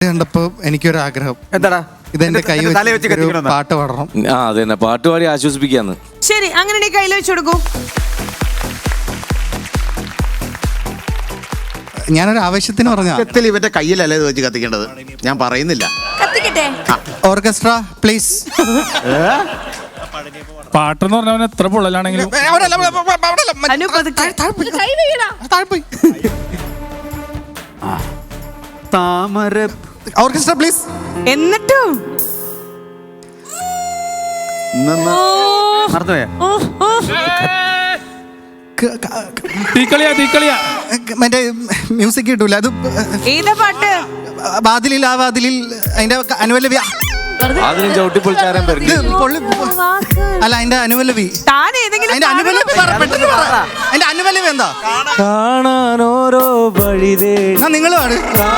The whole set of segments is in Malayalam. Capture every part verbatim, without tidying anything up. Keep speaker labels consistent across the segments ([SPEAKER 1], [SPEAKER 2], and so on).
[SPEAKER 1] കണ്ടപ്പോ എനിക്കൊരു ആഗ്രഹം.
[SPEAKER 2] എന്താടാ?
[SPEAKER 1] ഇതെന്റെ കൈ വെച്ച് പാട്ട് പാടണം.
[SPEAKER 3] ആ അതെ, പാട്ട് പാടി ആശ്വസിപ്പിക്കാന്ന്.
[SPEAKER 4] ശരി, അങ്ങനെ കയ്യിൽ വെച്ച് കൊടുക്കൂ.
[SPEAKER 1] ഞാനൊരു ആവശ്യത്തിന് പറഞ്ഞ
[SPEAKER 5] ഇവന്റെ കയ്യിലല്ലേ ഇത് വെച്ച് കത്തിക്കേണ്ടത്, ഞാൻ പറയുന്നില്ല.
[SPEAKER 1] Orchestra please.
[SPEAKER 6] പാട്ടെന്ന് പറഞ്ഞാൽ എത്ര പൊള്ളലാണെങ്കിലും
[SPEAKER 2] താമര.
[SPEAKER 1] Orchestra please.
[SPEAKER 4] എന്നിട്ടും
[SPEAKER 2] മറന്നുപോയാ?
[SPEAKER 6] തീക്കളിയാ തീക്കളിയാ
[SPEAKER 1] മറ്റേ മ്യൂസിക് കിട്ടൂല. അത്
[SPEAKER 4] ഏതാ പാട്ട്?
[SPEAKER 1] വാതിലിൽ ആ വാതിലിൽ അതിന്റെ അനുവല്ലവി.
[SPEAKER 3] അതിനും ചവിട്ടി പൊളിച്ചാരം
[SPEAKER 1] അല്ല, അതിന്റെ അനുവല്ലവി.
[SPEAKER 4] താൻ ഏതെങ്കിലും
[SPEAKER 1] അതിന്റെ അനുവല്ലവി പെട്ടെന്ന് പറ. അതിന്റെ അനുവല്ലവി എന്താ?
[SPEAKER 3] കാണാൻ ഓരോ വഴിതേ
[SPEAKER 1] നിങ്ങൾ പാട്.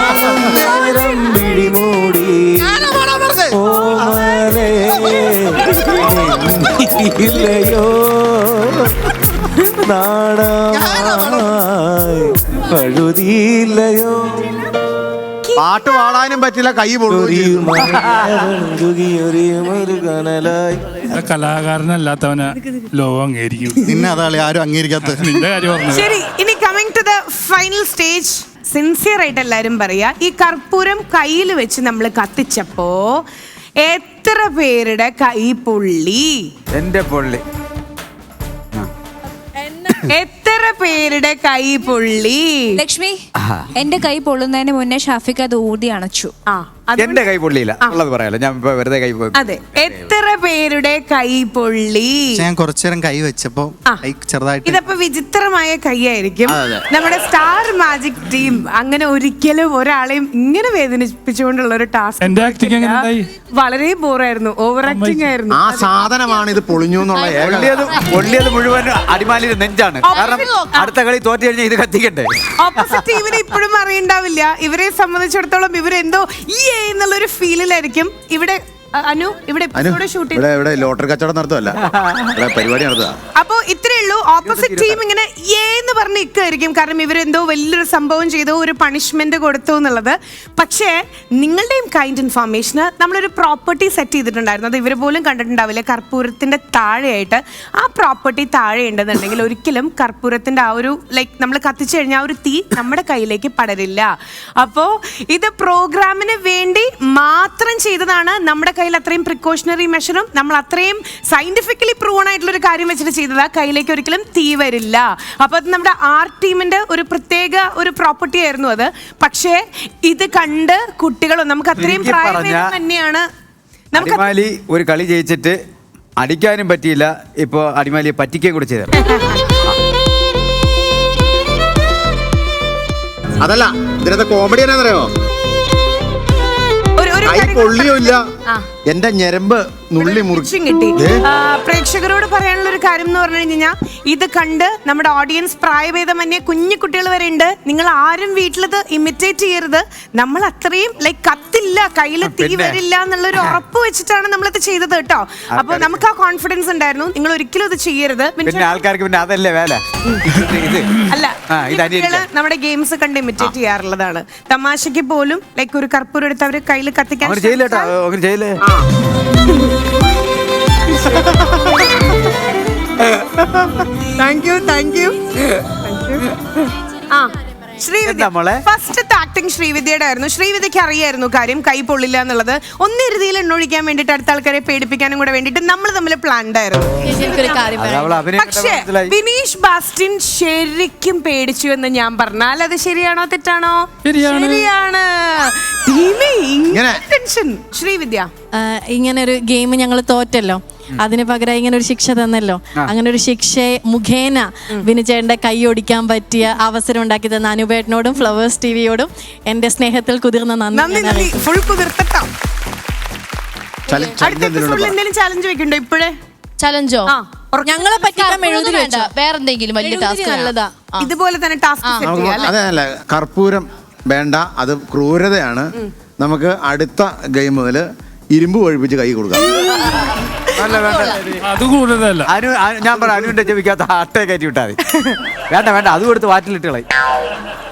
[SPEAKER 3] ഇല്ലയോ നാടോ
[SPEAKER 5] പാട്ട് പാടാനും പറ്റില്ല, കൈ പൊള്ളുകയും.
[SPEAKER 6] കലാകാരനല്ലാത്തവനെ ലോകം അംഗീകരിക്കും.
[SPEAKER 1] നിന്നെ അതാളെ ആരും അംഗീകരിക്കാത്ത
[SPEAKER 6] നിന്റെ കാര്യം പറഞ്ഞു.
[SPEAKER 4] ശരി, ഇനി coming to the final stage. Sincere ആയിട്ട് എല്ലാരും പറയാ, ഈ കർപ്പൂരം കയ്യിൽ വെച്ച് നമ്മൾ കത്തിച്ചപ്പോ എത്ര പേരുടെ കൈ പൊള്ളി?
[SPEAKER 2] എന്റെ പൊള്ളി.
[SPEAKER 4] എത്ര പേരുടെ കൈ പൊള്ളി?
[SPEAKER 7] ലക്ഷ്മി, എന്റെ കൈ പൊള്ളുന്നതിന് മുന്നേ ഷാഫിക്ക് അത് ഊതി അണച്ചു.
[SPEAKER 4] ആ,
[SPEAKER 2] എന്റെ കൈ പൊള്ളിയില്ല ഉള്ളത് പറയാലോ, ഞാൻ വെറുതെ കൈ പോയി.
[SPEAKER 4] അതെ, എത്ര പേരുടെ കൈ പൊള്ളി?
[SPEAKER 1] ഞാൻ കുറച്ചേരം കൈ വെച്ചപ്പോ ചെറുതായിട്ട്.
[SPEAKER 4] ഇതപ്പോ വിചിത്രമായ കൈയായിരിക്കും. നമ്മുടെ സ്റ്റാർ മാജിക് ടീം അങ്ങനെ ഒരിക്കലും ഒരാളെയും ഇങ്ങനെ വേദനിപ്പിച്ചുകൊണ്ടുള്ള ഒരു ടാസ്ക്.
[SPEAKER 6] എന്റെ ആക്ടിങ് എങ്ങനെ ഉണ്ടായി?
[SPEAKER 4] വളരെ ബോറായിരുന്നു, ഓവർ ആക്ടിങ് ആയിരുന്നു.
[SPEAKER 5] ആ സാധനമാണ് ഇത് പൊളിഞ്ഞു എന്നുള്ള.
[SPEAKER 2] പൊള്ളിയത് പൊള്ളിയത് മുഴുവൻ അടിമാലിയുടെ നെഞ്ചാണ്. കാരണം അടുത്ത കളി തോറ്റു കഴിഞ്ഞാൽ ഇത് കത്തിക്കണ്ടേ.
[SPEAKER 4] ഓപ്പോസിറ്റ് ടീമിന് ഇപ്പോഴും അറിയണ്ടാവില്ല. ഇവരെ സംബന്ധിച്ചിടത്തോളം ഇവരെന്തോ ഈ എന്നുള്ളൊരു ഫീലിലായിരിക്കും. ഇവിടെ അനു ഇവിടെ ഷൂട്ട്
[SPEAKER 5] ഇവിടെ ലോട്ടറി കച്ചവടം നടത്തുമല്ല, പരിപാടി നടത്തുക.
[SPEAKER 4] അപ്പൊ ഇത്രേ ഉള്ളൂ. ഓപ്പോസിറ്റ് ടീം ഇങ്ങനെ എന്ന് പറഞ്ഞ് ഇക്കായിരിക്കും, കാരണം ഇവരെന്തോ വലിയൊരു സംഭവം ചെയ്തു, ഒരു പണിഷ്മെന്റ് കൊടുത്തു എന്നുള്ളത്. പക്ഷേ നിങ്ങളുടെയും കൈൻഡ് ഇൻഫർമേഷന് നമ്മളൊരു പ്രോപ്പർട്ടി സെറ്റ് ചെയ്തിട്ടുണ്ടായിരുന്നു. അത് ഇവർ പോലും കണ്ടിട്ടുണ്ടാവില്ല. കർപ്പൂരത്തിന്റെ താഴെയായിട്ട് ആ പ്രോപ്പർട്ടി താഴെ ഉണ്ടെന്നുണ്ടെങ്കിൽ ഒരിക്കലും കർപ്പൂരത്തിന്റെ ആ ഒരു ലൈക്ക് നമ്മൾ കത്തിച്ചു കഴിഞ്ഞാൽ ആ ഒരു തീ നമ്മുടെ കയ്യിലേക്ക് പടരില്ല. അപ്പോ ഇത് പ്രോഗ്രാമിന് വേണ്ടി മാത്രം ചെയ്തതാണ്. നമ്മുടെ കയ്യിൽ അത്രയും പ്രിക്കോഷണറി മെഷറും നമ്മൾ അത്രയും സയന്റിഫിക്കലി പ്രൂവൺ ആയിട്ടുള്ള ഒരു കാര്യം വെച്ചിട്ട് ചെയ്തതാ. കയ്യിലേക്ക് ഒരിക്കലും തീ വരില്ല. അപ്പൊ അത് നമ്മുടെ ആർട്ട് ടീമിന്റെ ഒരു പ്രത്യേക ഒരു പ്രോപ്പർട്ടി ആയിരുന്നു അത്. പക്ഷേ ഇത് കണ്ട് കുട്ടികളും നമുക്ക് അത്രയും പ്രായം തന്നെയാണ്.
[SPEAKER 2] അടിമാലി ഒരു കളി ജയിച്ചിട്ട് അടിക്കാനും പറ്റിയില്ല, ഇപ്പൊ അടിമാലിയെ പറ്റിക്കുകയും കൂടി ചെയ്ത.
[SPEAKER 5] അതല്ല, ഇതിനകത്ത് കോമഡി എന്നാന്നറിയോ? കൈ പൊള്ളിയില്ല, എന്റെ ഞരമ്പ് നുള്ളി മുറിച്ചും
[SPEAKER 4] കിട്ടി. പ്രേക്ഷകരോട് പറയാനുള്ള ഒരു കാര്യം എന്ന് പറഞ്ഞു കഴിഞ്ഞാൽ, ഇത് കണ്ട് നമ്മുടെ ഓഡിയൻസ് പ്രായഭേദമന്യേ കുഞ്ഞു കുട്ടികൾ വരെ ഉണ്ട്. നിങ്ങൾ ആരും വീട്ടിലത് ഇമിറ്റേറ്റ് ചെയ്യരുത്. നമ്മൾ അത്രയും ലൈക്ക് കത്തില്ല, കയ്യിൽ തീ വരില്ല എന്നുള്ളൊരു ഉറപ്പ് വെച്ചിട്ടാണ് നമ്മളിത് ചെയ്തത് കേട്ടോ. അപ്പൊ നമുക്ക് ആ കോൺഫിഡൻസ് ഉണ്ടായിരുന്നു. നിങ്ങൾ ഒരിക്കലും ഇത് ചെയ്യരുത്.
[SPEAKER 2] ആൾക്കാർക്ക് പിന്നെ അതല്ലേ വേല.
[SPEAKER 4] അല്ല, നമ്മുടെ ഗെയിംസ് കണ്ട് ഇമിറ്റേറ്റ് ചെയ്യാറുള്ളതാണ്. തമാശക്ക് പോലും ലൈക്ക് ഒരു കർപ്പൂരം എടുത്ത് അവര് കയ്യിൽ കത്തിക്കാൻ. താങ്ക് യു താങ്ക് യു ആ ശ്രീവിദ്യ ഫസ്റ്റ് ആക്ടിങ് ശ്രീവിദ്യയുടെ ആയിരുന്നു. ശ്രീവിദ്യക്ക് അറിയായിരുന്നു കാര്യം കൈ പൊള്ളില്ല എന്നുള്ളത്. ഒന്ന് ഇറുതിയിൽ എണ്ണൊഴിക്കാൻ വേണ്ടിട്ട് അടുത്ത ആൾക്കാരെ പേടിപ്പിക്കാനും കൂടെ വേണ്ടിട്ട് നമ്മൾ തമ്മിൽ പ്ലാൻഡ് ആയിരുന്നു. പക്ഷേ വിനീഷ് ബാസ്റ്റിൻ ശരിക്കും പേടിച്ചു എന്ന് ഞാൻ പറഞ്ഞാൽ അത് ശരിയാണോ തെറ്റാണോ? ശരിയാണ്. ശ്രീവിദ്യ,
[SPEAKER 8] ഇങ്ങനെ ഒരു ഗെയിം ഞങ്ങൾ തോറ്റല്ലോ, അതിന് പകരം ഇങ്ങനെ ഒരു ശിക്ഷ തന്നല്ലോ. അങ്ങനെ ഒരു ശിക്ഷ മുഖേന വിനുചേട്ടന്റെ കൈ ഒടിക്കാൻ പറ്റിയ അവസരം ഉണ്ടാക്കി തന്ന അനുപേട്ടനോടും ഫ്ലവേഴ്സ് ടിവിയോടും എന്റെ സ്നേഹത്തിൽ കുതിർന്ന നന്ദി.
[SPEAKER 4] ഫുൾ കുതിർത്തട്ടോ. ചാലഞ്ച് വെക്കണ്ടോ ഇപ്പോഴേ?
[SPEAKER 8] ചലഞ്ചോ? ഞങ്ങളെ പറ്റിക്കാൻ എഴുതി വേണ്ട, വേറെന്തെങ്കിലും വലിയ ടാസ്ക് നല്ലതാ.
[SPEAKER 4] ഇതുപോലെ തന്നെ ടാസ്ക്.
[SPEAKER 5] അതല്ല, കർപ്പൂരം വേണ്ട, അത് ക്രൂരതയാണ്. നമുക്ക് അടുത്ത ഗെയിം മുതൽ ഇരുമ്പ് ഒഴിപ്പിച്ച് കൈ കൊടുക്കാം.
[SPEAKER 6] അത് കൂടുതലല്ല.
[SPEAKER 2] അനു ഞാൻ പറയാം, അനുവിന്റെ ചെവിക്കാത്ത അട്ടയെ കയറ്റി വിട്ടാൽ മതി. വേണ്ട വേണ്ട, അത് കൊടുത്ത് വാറ്റിലിട്ട് കളയും.